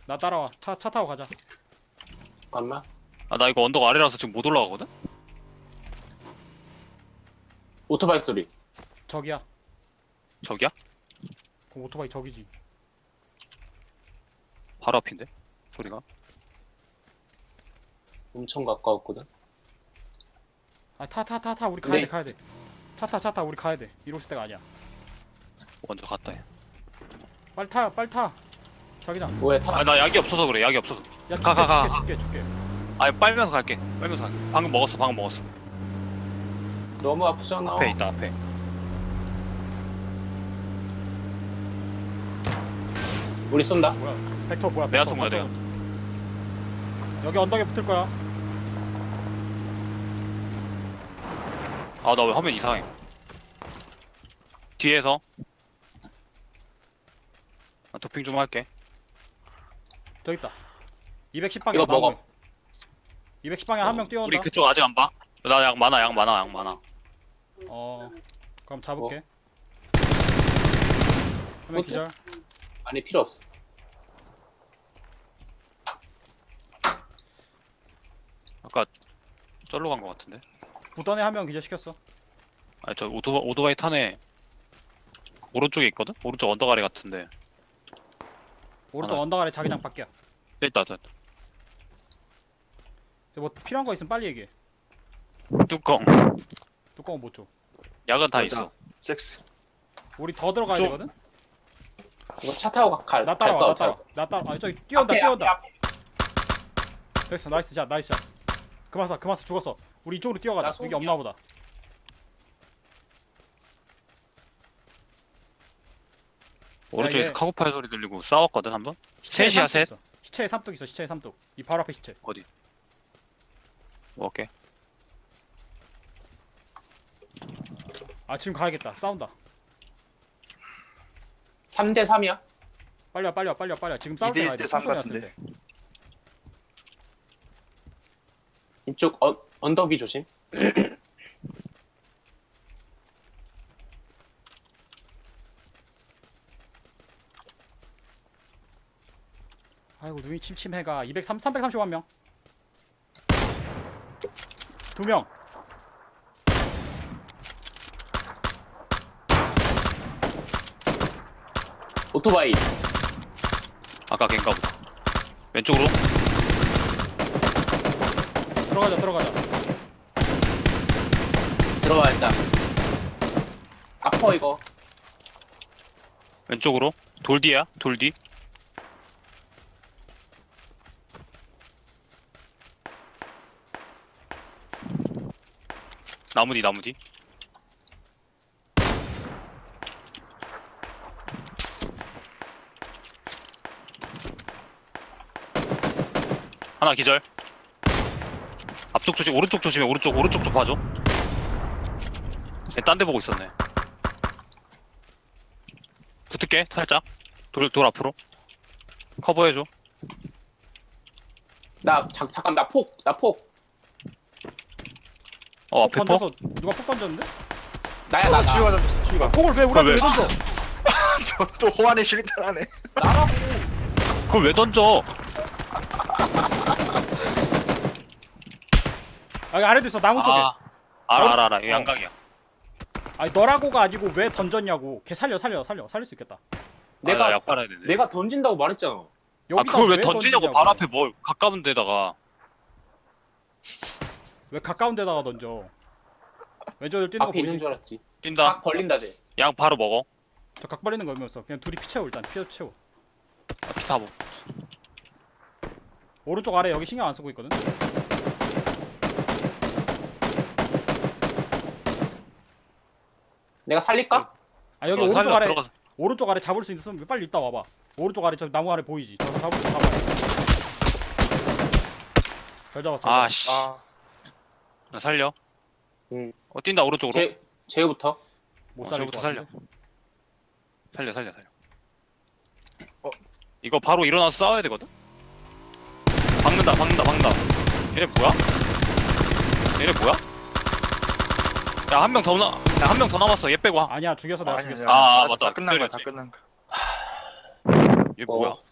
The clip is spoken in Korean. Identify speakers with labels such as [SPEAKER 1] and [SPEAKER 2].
[SPEAKER 1] 나 따라와. 차 타고 가자.
[SPEAKER 2] 잠깐만.
[SPEAKER 3] 아 나 이거 언덕 아래라서 지금 못 올라가거든?
[SPEAKER 2] 오토바이 소리.
[SPEAKER 1] 저기야.
[SPEAKER 3] 저기야?
[SPEAKER 1] 그 오토바이 저기지.
[SPEAKER 3] 바로 앞인데? 소리가?
[SPEAKER 2] 엄청 가까웠거든.
[SPEAKER 1] 아 타. 우리 가야
[SPEAKER 2] 네.
[SPEAKER 1] 돼 가야 돼. 차 타. 우리 가야 돼. 이럴 때가 아니야.
[SPEAKER 3] 먼저 갔다 해.
[SPEAKER 1] 빨리 타. 자기장.
[SPEAKER 2] 뭐야 타?
[SPEAKER 3] 아 나 약이 없어서 그래 약이 없어서.
[SPEAKER 1] 야
[SPEAKER 3] 가.
[SPEAKER 1] 줄게.
[SPEAKER 3] 아 빨면서 갈게. 방금 먹었어.
[SPEAKER 2] 너무 아프잖아.
[SPEAKER 3] 앞에 있다 앞에.
[SPEAKER 2] 우리 쏜다.
[SPEAKER 1] 뭐야? 벡터 뭐야?
[SPEAKER 3] 내가
[SPEAKER 1] 벡터,
[SPEAKER 3] 쏜 거야,
[SPEAKER 1] 벡터. 여기 언덕에 붙을 거야.
[SPEAKER 3] 아 나 왜 화면 이상해. 뒤에서 나 도핑 좀 할게.
[SPEAKER 1] 저기 있다. 210방향
[SPEAKER 2] 이거 먹어.
[SPEAKER 1] 210방향 한 명 뛰어온다.
[SPEAKER 3] 우리 그쪽 아직 안 봐? 나 약 많아.
[SPEAKER 1] 그럼 잡을게. 한 명
[SPEAKER 2] 포트?
[SPEAKER 1] 기절.
[SPEAKER 2] 아니 필요 없어.
[SPEAKER 3] 아까 쩔로 간 거 같은데?
[SPEAKER 1] 붙던 애 한 명 기절 시켰어.
[SPEAKER 3] 아니 저 오토바이 탄에 오른쪽에 있거든? 오른쪽 언덕 아래 같은데.
[SPEAKER 1] 오른쪽
[SPEAKER 3] 하나.
[SPEAKER 1] 언덕 아래 자기장 밖이야.
[SPEAKER 3] 있다.
[SPEAKER 1] 뭐 필요한 거 있으면 빨리 얘기해.
[SPEAKER 3] 뚜껑.
[SPEAKER 1] 뚜껑은 못 줘.
[SPEAKER 3] 약은 다
[SPEAKER 4] 맞아.
[SPEAKER 3] 있어.
[SPEAKER 4] 섹스.
[SPEAKER 1] 우리 더 들어가야
[SPEAKER 3] 좀-
[SPEAKER 1] 되거든.
[SPEAKER 2] 이거 차 타고 갈.
[SPEAKER 1] 나 따라와.
[SPEAKER 2] 갈까?
[SPEAKER 1] 나 따라. 아 저기 뛰어온다.
[SPEAKER 2] 앞에.
[SPEAKER 1] 됐어. 나이스 샷. 그만 쏴. 죽었어. 우리 이쪽으로 뛰어가자.
[SPEAKER 2] 나
[SPEAKER 1] 여기
[SPEAKER 2] 속이야.
[SPEAKER 1] 없나 보다.
[SPEAKER 3] 오른쪽에서
[SPEAKER 1] 얘-
[SPEAKER 3] 카고팔 소리 들리고 싸웠거든 한번?
[SPEAKER 1] 시체에
[SPEAKER 3] 셋이야,
[SPEAKER 1] 삼뚝
[SPEAKER 3] 셋?
[SPEAKER 1] 있어. 시체에 삼뚝 있어. 시체에 삼뚝. 이 바로 앞에 시체.
[SPEAKER 3] 어디? 먹을게.
[SPEAKER 1] 아 지금 가야겠다. 싸운다.
[SPEAKER 2] 3대 3이야?
[SPEAKER 1] 빨리 와. 지금 싸울 때
[SPEAKER 4] 2대1
[SPEAKER 1] 가야 돼.
[SPEAKER 4] 대 3
[SPEAKER 1] 총소리 났을
[SPEAKER 4] 같은데.
[SPEAKER 1] 때.
[SPEAKER 2] 이쪽 언덕이 조심.
[SPEAKER 1] 아이고 눈이 침침해가. 331명. 2명.
[SPEAKER 2] 오토바이.
[SPEAKER 3] 아까 걔인가 보다. 왼쪽으로?
[SPEAKER 1] 들어가자.
[SPEAKER 2] 들어와 일단. 아퍼 이거.
[SPEAKER 3] 왼쪽으로? 돌 뒤야? 돌 뒤? 나무 뒤. 하나 기절. 앞쪽 조심, 오른쪽 조심해. 오른쪽 좀 봐줘. 쟤 딴 데 보고 있었네. 붙을게, 살짝. 돌 앞으로. 커버해줘.
[SPEAKER 2] 잠깐 나 폭.
[SPEAKER 3] 앞에 퍼?
[SPEAKER 1] 던져서 누가 폭 던졌는데?
[SPEAKER 2] 나야.
[SPEAKER 4] 쥐가 던졌어. 쥐가.
[SPEAKER 1] 폭을 왜 우리한테 왜 던져?
[SPEAKER 4] 저또 호환의 실탄하네.
[SPEAKER 2] 나라고.
[SPEAKER 3] 그걸 왜 던져?
[SPEAKER 1] 여기 아래도 있어. 나무 쪽에.
[SPEAKER 3] 알아. 이거 양각이야.
[SPEAKER 1] 아니 너라고가 아니고 왜 던졌냐고. 걔 살릴 수 있겠다.
[SPEAKER 2] 내가
[SPEAKER 3] 약 빨아야 되네.
[SPEAKER 2] 내가 던진다고 말했잖아.
[SPEAKER 1] 여기다
[SPEAKER 3] 그걸 왜 던지냐고. 바로 앞에 뭘 가까운 데다가.
[SPEAKER 1] 왜 가까운 데다가 던져? 왼쪽으로 뛰는 거
[SPEAKER 2] 앞에 있는
[SPEAKER 1] 보이지?
[SPEAKER 2] 줄 알았지.
[SPEAKER 3] 뛴다.
[SPEAKER 2] 각 벌린다 쟤.
[SPEAKER 3] 양 바로 먹어.
[SPEAKER 1] 저 각 벌리는 거 의미 없어. 그냥 둘이 피 채워 일단. 피 채워.
[SPEAKER 3] 피타 먹.
[SPEAKER 1] 오른쪽 아래 여기 신경 안 쓰고 있거든.
[SPEAKER 2] 내가 살릴까?
[SPEAKER 1] 아 여기 오른쪽 아래 오른쪽 아래 잡을 수 있으면 빨리 이따 와봐. 오른쪽 아래 저 나무 아래 보이지? 저거 잡을 수 잡아. 잘 잡았어.
[SPEAKER 3] 아씨.
[SPEAKER 4] 아,
[SPEAKER 3] 나 살려.
[SPEAKER 2] 응.
[SPEAKER 3] 뛴다 오른쪽으로.
[SPEAKER 2] 제우부터.
[SPEAKER 1] 못 살릴
[SPEAKER 3] 저부터
[SPEAKER 1] 것 같은데?
[SPEAKER 3] 살려.
[SPEAKER 4] 어?
[SPEAKER 3] 이거 바로 일어나서 싸워야 되거든? 박는다. 얘네 뭐야? 야, 한 명 더 남았어. 얘 빼고.
[SPEAKER 1] 아니야 죽여서 내가
[SPEAKER 4] 아니야,
[SPEAKER 1] 죽였어.
[SPEAKER 3] 아,
[SPEAKER 4] 다
[SPEAKER 3] 맞다.
[SPEAKER 4] 끝난 거야.
[SPEAKER 3] 그랬지.
[SPEAKER 4] 다 끝난 거야.
[SPEAKER 3] 얘 뭐야?